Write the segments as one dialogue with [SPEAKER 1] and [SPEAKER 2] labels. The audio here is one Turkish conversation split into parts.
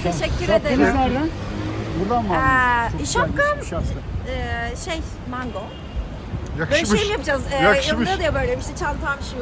[SPEAKER 1] Teşekkür
[SPEAKER 2] Şapkanız
[SPEAKER 1] ederim.
[SPEAKER 2] nereden? Buradan mı aldınız? Çok
[SPEAKER 1] Şapkam
[SPEAKER 2] güzelmiş bu şapka.
[SPEAKER 1] mango. Böyle
[SPEAKER 3] Yakışmış.
[SPEAKER 1] şey mi yapacağız?
[SPEAKER 3] Yakışmış.
[SPEAKER 1] Yanında diyor böyle işte çantam şu.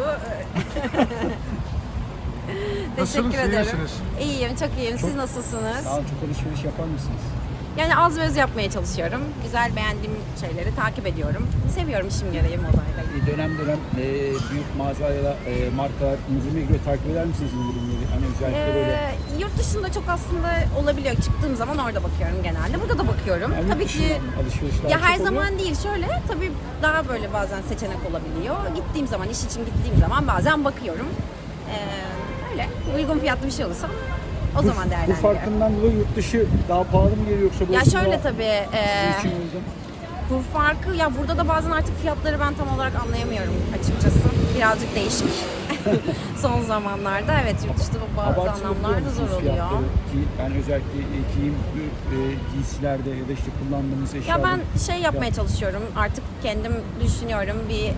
[SPEAKER 3] Nasılsınız,
[SPEAKER 1] Teşekkür
[SPEAKER 3] iyi
[SPEAKER 1] ederim.
[SPEAKER 3] misiniz?
[SPEAKER 1] İyiyim, çok iyiyim. Siz nasılsınız?
[SPEAKER 2] Sağ olun, çok alışveriş yapar mısınız?
[SPEAKER 1] Yani az ve öz yapmaya çalışıyorum. Güzel beğendiğim şeyleri takip ediyorum. Seviyorum işim gereği modayla.
[SPEAKER 2] Dönem dönem büyük mağazalara, markalar indirime giriyor. Takip eder misiniz indirimleri? Hani özellikle böyle.
[SPEAKER 1] Yurt dışında çok aslında olabiliyor. Çıktığım zaman orada bakıyorum genelde. Burada da bakıyorum.
[SPEAKER 2] Yani
[SPEAKER 1] Tabii
[SPEAKER 2] yurt
[SPEAKER 1] ki
[SPEAKER 2] dışından alışverişler
[SPEAKER 1] ya
[SPEAKER 2] çok
[SPEAKER 1] her
[SPEAKER 2] oluyor.
[SPEAKER 1] zaman değil. Şöyle tabii daha böyle bazen seçenek olabiliyor. Gittiğim zaman, iş için gittiğim zaman bazen bakıyorum. Öyle uygun fiyatlı bir şey olursa o zaman
[SPEAKER 2] Bu
[SPEAKER 1] değerlendiriyorum.
[SPEAKER 2] farkından dolayı yurt dışı daha pahalı mı geliyor yoksa
[SPEAKER 1] Ya
[SPEAKER 2] burası
[SPEAKER 1] şöyle
[SPEAKER 2] daha
[SPEAKER 1] tabii
[SPEAKER 2] sizin için uygun?
[SPEAKER 1] kur farkı ya burada da bazen artık fiyatları ben tam olarak anlayamıyorum açıkçası. Birazcık değişik. Son zamanlarda evet yurt dışında bazı
[SPEAKER 2] Abartılı
[SPEAKER 1] anlamlarda
[SPEAKER 2] buluyor
[SPEAKER 1] zor
[SPEAKER 2] musunuz
[SPEAKER 1] oluyor.
[SPEAKER 2] fiyatları? Yani özellikle giyim giysilerde ya da işte kullandığımız eşyalarda.
[SPEAKER 1] Ya ben şey yapmaya çalışıyorum. Artık kendim düşünüyorum.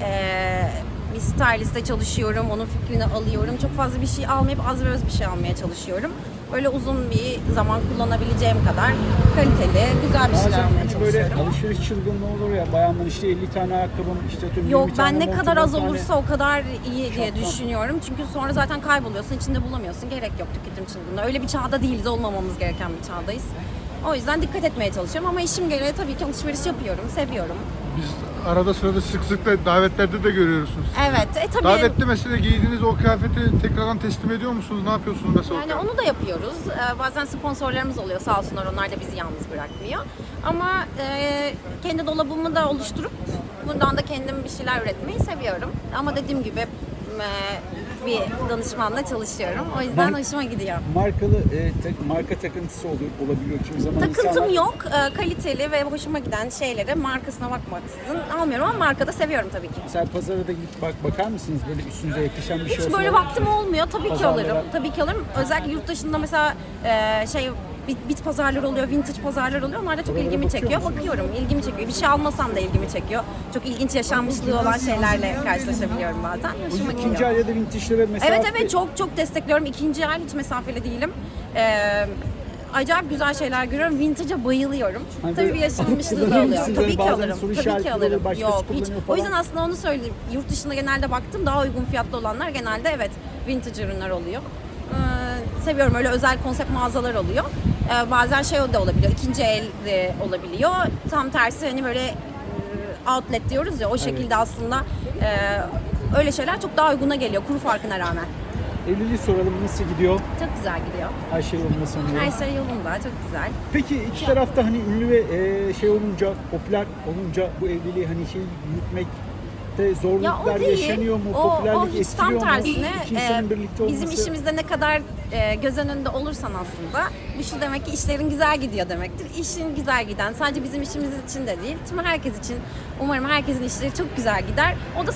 [SPEAKER 1] Bir styliste çalışıyorum. Onun fikrini alıyorum. Çok fazla bir şey almayıp az ve öz bir şey almaya çalışıyorum. Böyle uzun bir zaman kullanabileceğim kadar kaliteli, güzel bir şeyler
[SPEAKER 2] Bazen
[SPEAKER 1] almaya
[SPEAKER 2] hani böyle
[SPEAKER 1] çalışıyorum.
[SPEAKER 2] alışveriş çılgınlığı olur ya, bayanlar işte 50 tane ayakkabım, işte atıyorum
[SPEAKER 1] Yok
[SPEAKER 2] 20 tane
[SPEAKER 1] ben ne
[SPEAKER 2] montum,
[SPEAKER 1] kadar
[SPEAKER 2] 10
[SPEAKER 1] az
[SPEAKER 2] tane
[SPEAKER 1] olursa o kadar iyi diye
[SPEAKER 2] şapkam.
[SPEAKER 1] düşünüyorum. Çünkü sonra zaten kayboluyorsun, içinde bulamıyorsun. Gerek yok tüketim çılgınlığı. Öyle bir çağda değiliz, olmamamız gereken bir çağdayız. O yüzden dikkat etmeye çalışıyorum ama işim gereği tabii ki alışveriş yapıyorum, seviyorum.
[SPEAKER 3] Biz arada sırada sık sık da davetlerde de görüyorsunuz.
[SPEAKER 1] Evet, tabii.
[SPEAKER 3] Davette mesela giydiğiniz o kıyafeti tekrardan teslim ediyor musunuz? Ne yapıyorsunuz mesela?
[SPEAKER 1] Yani onu da yapıyoruz. Bazen sponsorlarımız oluyor sağ olsunlar, onlar da bizi yalnız bırakmıyor. Ama kendi dolabımı da oluşturup buradan da kendim bir şeyler üretmeyi seviyorum. Ama dediğim gibi bir danışmanla çalışıyorum. O yüzden hoşuma gidiyor.
[SPEAKER 2] Markalı marka takıntısı olabiliyor kimi zaman.
[SPEAKER 1] Takıntım
[SPEAKER 2] insanlar.
[SPEAKER 1] yok. Kaliteli ve hoşuma giden şeylere markasına bakmaksızın almıyorum ama marka da seviyorum tabii ki.
[SPEAKER 2] Mesela pazara da gidip bakar mısınız böyle üstünüze yakışan bir şey
[SPEAKER 1] Hiç
[SPEAKER 2] olsa?
[SPEAKER 1] böyle vaktim olmuyor. Tabii ki
[SPEAKER 2] Pazarlara.
[SPEAKER 1] alırım. Tabii ki alırım. Özellikle yurt dışında mesela bit pazarları oluyor, vintage pazarlar oluyor. Onlar da çok
[SPEAKER 2] Oralara
[SPEAKER 1] ilgimi
[SPEAKER 2] bakıyor
[SPEAKER 1] çekiyor.
[SPEAKER 2] musun?
[SPEAKER 1] Bakıyorum, ilgimi çekiyor. Bir şey almasam da ilgimi çekiyor. Çok ilginç yaşanmışlığı olan şeylerle karşılaşabiliyorum bazen. Hoşuma
[SPEAKER 2] İkinci
[SPEAKER 1] gidiyor.
[SPEAKER 2] el ya da vintage'lere mesela.
[SPEAKER 1] Evet çok destekliyorum. İkinci el hiç mesafeli değilim. Acayip güzel şeyler görüyorum. Vintage'a bayılıyorum.
[SPEAKER 2] Hani
[SPEAKER 1] Tabii
[SPEAKER 2] böyle
[SPEAKER 1] bir yaşanmışlığı
[SPEAKER 2] kullanır
[SPEAKER 1] da oluyor.
[SPEAKER 2] mısınız?
[SPEAKER 1] Tabii ki
[SPEAKER 2] Bazen
[SPEAKER 1] alırım.
[SPEAKER 2] soru
[SPEAKER 1] Tabii ki
[SPEAKER 2] işaretleri
[SPEAKER 1] alırım.
[SPEAKER 2] olur, başkası
[SPEAKER 1] Yok hiç.
[SPEAKER 2] kullanıyor
[SPEAKER 1] O
[SPEAKER 2] falan.
[SPEAKER 1] yüzden aslında onu söyleyeyim. Yurt dışında genelde baktım daha uygun fiyatlı olanlar genelde evet vintage ürünler oluyor. Seviyorum öyle özel konsept mağazalar oluyor. Bazen şey de olabiliyor. İkinci el de olabiliyor. Tam tersi hani böyle outlet diyoruz ya o şekilde aslında öyle şeyler çok daha uyguna geliyor kuru farkına rağmen.
[SPEAKER 2] Evliliği soralım, nasıl gidiyor?
[SPEAKER 1] Çok güzel gidiyor.
[SPEAKER 2] Her şey yolunda sanıyorum.
[SPEAKER 1] Her şey yolunda, çok güzel.
[SPEAKER 2] Peki iki tarafta hani ünlü ve şey olunca, popüler olunca bu evliliği hani şey yürütmekte zorluklar yaşanıyor mu? Popülerlik
[SPEAKER 1] hiç
[SPEAKER 2] etkiliyor
[SPEAKER 1] tam
[SPEAKER 2] mu?
[SPEAKER 1] tersine
[SPEAKER 2] İki insanın birlikte olması.
[SPEAKER 1] bizim işimizde ne kadar göz önünde olursan aslında bu şu demek ki işlerin güzel gidiyor demektir. İşin güzel giden sadece bizim işimiz için de değil tüm herkes için umarım herkesin işleri çok güzel gider. O da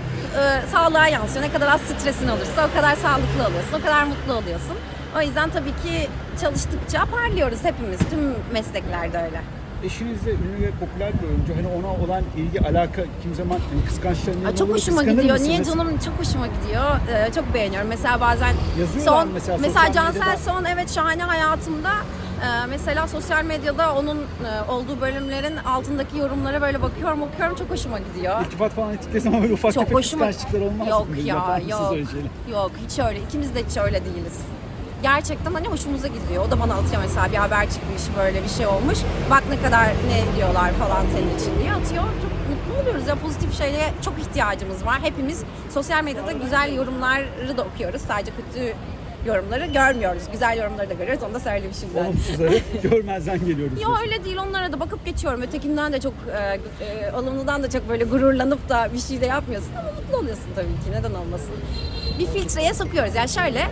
[SPEAKER 1] sağlığa yansıyor. Ne kadar az stresin olursa o kadar sağlıklı oluyorsun, o kadar mutlu oluyorsun. O yüzden tabii ki çalıştıkça parlıyoruz hepimiz. Tüm mesleklerde öyle.
[SPEAKER 2] Eşiniz de ünlü ve popüler bir oyuncu. Hani ona olan ilgi, alaka kim zaman hani kıskançlarından
[SPEAKER 1] Çok
[SPEAKER 2] olur,
[SPEAKER 1] hoşuma
[SPEAKER 2] kıskanır
[SPEAKER 1] gidiyor.
[SPEAKER 2] mısınız?
[SPEAKER 1] Niye canım çok hoşuma gidiyor. Çok beğeniyorum. Mesela bazen
[SPEAKER 2] Yazıyorlar mesela sosyal
[SPEAKER 1] Cansel
[SPEAKER 2] medyada.
[SPEAKER 1] Son evet şahane hayatımda mesela sosyal medyada onun olduğu bölümlerin altındaki yorumlara böyle bakıyorum okuyorum çok hoşuma gidiyor.
[SPEAKER 2] İltifat falan ettikleri zaman böyle ufak
[SPEAKER 1] Çok
[SPEAKER 2] tefek
[SPEAKER 1] hoşuma
[SPEAKER 2] kıskançlıklar olmaz
[SPEAKER 1] yok
[SPEAKER 2] mı?
[SPEAKER 1] ya
[SPEAKER 2] Yapar mısınız
[SPEAKER 1] yok
[SPEAKER 2] öyle şeyler?
[SPEAKER 1] yok hiç öyle ikimiz de hiç öyle değiliz. Gerçekten hani hoşumuza gidiyor. O da bana atıyor mesela bir haber çıkmış böyle bir şey olmuş. Bak ne kadar ne diyorlar falan senin için diye atıyor. Çok mutlu oluyoruz ya pozitif şeye çok ihtiyacımız var. Hepimiz sosyal medyada güzel yorumları da okuyoruz. Sadece kötü yorumları görmüyoruz. Güzel yorumları da görüyoruz. Onu da söyleyeyim şimdiden.
[SPEAKER 2] Olumsuzları görmezden geliyoruz.
[SPEAKER 1] Yo öyle değil. Onlara da bakıp geçiyorum. Ötekinden de çok alımlıdan da çok böyle gururlanıp da bir şey de yapmıyorsun ama mutlu oluyorsun tabii ki. Neden olmasın? Bir filtreye sokuyoruz. Yani şöyle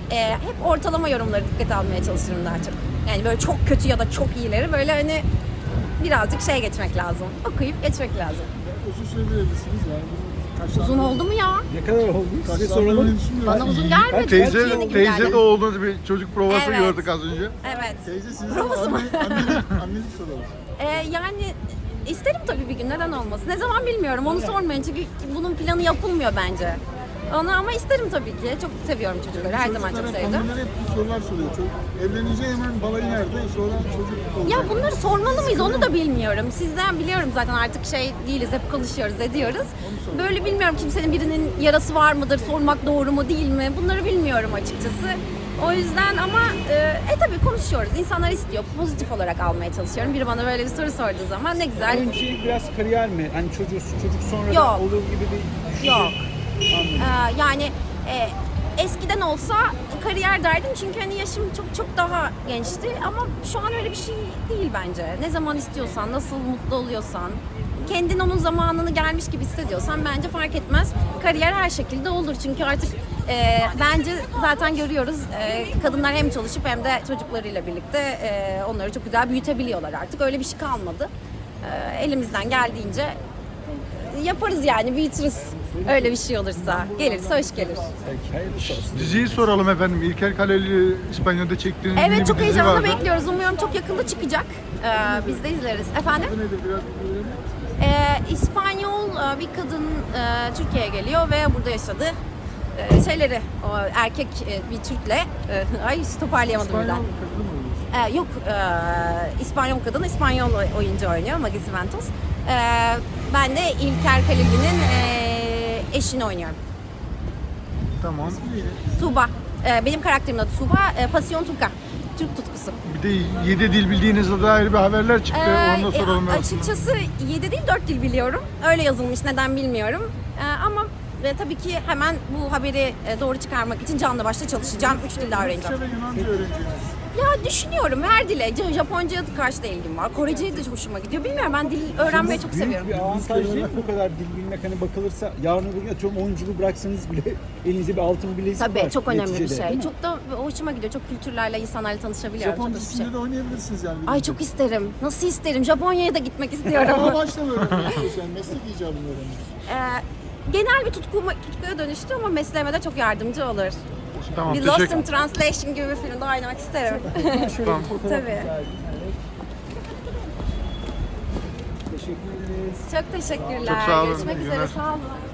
[SPEAKER 1] hep ortalama yorumları dikkate almaya çalışırım daha çok. Yani böyle çok kötü ya da çok iyileri böyle hani birazcık şey geçmek lazım. Okuyup geçmek lazım.
[SPEAKER 3] Uzun süredir evlisiniz yani.
[SPEAKER 1] Uzun oldu mu ya?
[SPEAKER 2] Ne kadar oldu? Size soralım.
[SPEAKER 1] Bana uzun gelmedi. Yeni
[SPEAKER 3] Teyze
[SPEAKER 1] gibi geldi.
[SPEAKER 3] de oğlunuz bir çocuk provası
[SPEAKER 1] Evet.
[SPEAKER 3] gördük az önce.
[SPEAKER 1] Evet.
[SPEAKER 3] Teyze sizin
[SPEAKER 1] Provası mı?
[SPEAKER 3] anneniz soralım.
[SPEAKER 1] Yani isterim tabii bir gün neden olmasın. Ne zaman bilmiyorum onu sormayın çünkü bunun planı yapılmıyor bence. Onu ama isterim tabii ki. Çok seviyorum çocukları. Her zaman çok
[SPEAKER 3] Çocuklara,
[SPEAKER 1] sevdim.
[SPEAKER 3] hanımlar hep bu sorular soruyor. Evlenince hemen balayı nerede? Sonra çocuk olacak.
[SPEAKER 1] Ya bunları sormalı mıyız onu da bilmiyorum. Sizden biliyorum zaten artık şey değiliz, hep konuşuyoruz, ediyoruz. Böyle bilmiyorum, kimsenin birinin yarası var mıdır, sormak doğru mu değil mi? Bunları bilmiyorum açıkçası. O yüzden ama tabii konuşuyoruz. İnsanlar istiyor. Pozitif olarak almaya çalışıyorum. Biri bana böyle bir soru sorduğu zaman ne güzel.
[SPEAKER 2] Önce biraz kariyer mi? Hani çocuk sonra
[SPEAKER 1] Yok.
[SPEAKER 2] da olur gibi bir düşünce.
[SPEAKER 1] Yok.
[SPEAKER 2] Anladım.
[SPEAKER 1] Yani eskiden olsa kariyer derdim çünkü hani yaşım çok daha gençti ama şu an öyle bir şey değil bence. Ne zaman istiyorsan, nasıl mutlu oluyorsan, kendin onun zamanını gelmiş gibi hissediyorsan bence fark etmez. Kariyer her şekilde olur çünkü artık bence zaten görüyoruz kadınlar hem çalışıp hem de çocuklarıyla birlikte onları çok güzel büyütebiliyorlar artık. Öyle bir şey kalmadı. Elimizden geldiğince yaparız yani, büyütürüz. Öyle bir şey olursa. Gelirse hoş gelir.
[SPEAKER 2] Belki hayırlısı olsun.
[SPEAKER 3] Diziyi soralım efendim. İlker Kaleli İspanya'da çektiğiniz ünlü
[SPEAKER 1] Evet,
[SPEAKER 3] bir
[SPEAKER 1] çok
[SPEAKER 3] dizi
[SPEAKER 1] heyecanla
[SPEAKER 3] vardı.
[SPEAKER 1] bekliyoruz. Umuyorum çok yakında çıkacak. Biz de izleriz. Efendim?
[SPEAKER 3] Adı nedir? Biraz bilgi verebilir misiniz?
[SPEAKER 1] İspanyol bir kadın Türkiye'ye geliyor ve burada yaşadı. O erkek bir Türk'le ay toparlayamadım birden.
[SPEAKER 3] İspanyol kadını mı oluyor?
[SPEAKER 1] Yok, İspanyol kadın, İspanyol oyuncu oynuyor, Maggie Ventos. Ben de İlker Kaleli'nin eşini oynuyorum.
[SPEAKER 3] Tamam.
[SPEAKER 1] Tuğba. Benim karakterimin adı Tuğba. Pasyon Turka. Türk tutkusu.
[SPEAKER 3] Bir de 7 dil bildiğinizde dair bir haberler çıktı. Onu da soralım aslında.
[SPEAKER 1] Açıkçası 7 değil 4 dil biliyorum. Öyle yazılmış, neden bilmiyorum. Ama tabii ki hemen bu haberi doğru çıkarmak için canlı başla çalışacağım. 3 dil daha öğreneceğim.
[SPEAKER 3] Rusça ve Yunanca öğreneceğiniz.
[SPEAKER 1] Ya düşünüyorum her dile. Japonca'ya karşı da ilgim var. Korece'ye de hoşuma gidiyor. Bilmiyorum, ben dil öğrenmeyi çok seviyorum.
[SPEAKER 2] Büyük bir avantaj değil mi bu kadar dil bilmek? Hani bakılırsa yarın öbür gün atıyorum oyunculuğu bıraksanız bile elinizde bir altın bilezik var.
[SPEAKER 1] Tabii çok önemli bir
[SPEAKER 2] neticede,
[SPEAKER 1] şey.
[SPEAKER 2] değil mi?
[SPEAKER 1] Çok da hoşuma gidiyor. Çok kültürlerle, insanlarla tanışabiliyorum.
[SPEAKER 3] Japon
[SPEAKER 1] Çok hoş bir şey.
[SPEAKER 3] dizisinde de oynayabilirsiniz yani.
[SPEAKER 1] Ay çok isterim. Nasıl isterim? Japonya'ya da gitmek istiyorum.
[SPEAKER 3] Ama baştan öğreniyorsunuz yani. Meslek icabını öğreniyorsunuz.
[SPEAKER 1] Genel bir tutkuya dönüştü ama mesleğime de çok yardımcı olur.
[SPEAKER 3] Tamam,
[SPEAKER 1] Bir Lost
[SPEAKER 3] teşekkür
[SPEAKER 1] in Translation gibi bir filmde oynamak isterim.
[SPEAKER 2] Şöyle
[SPEAKER 3] Tamam.
[SPEAKER 2] bir fotoğraf
[SPEAKER 1] Tabii.
[SPEAKER 2] rica edeyim. Evet. Teşekkür ederiz.
[SPEAKER 1] Çok teşekkürler.
[SPEAKER 3] Çok sağ olun.
[SPEAKER 1] Görüşmek
[SPEAKER 3] İyi
[SPEAKER 1] üzere.
[SPEAKER 3] günler.
[SPEAKER 1] Sağ olun.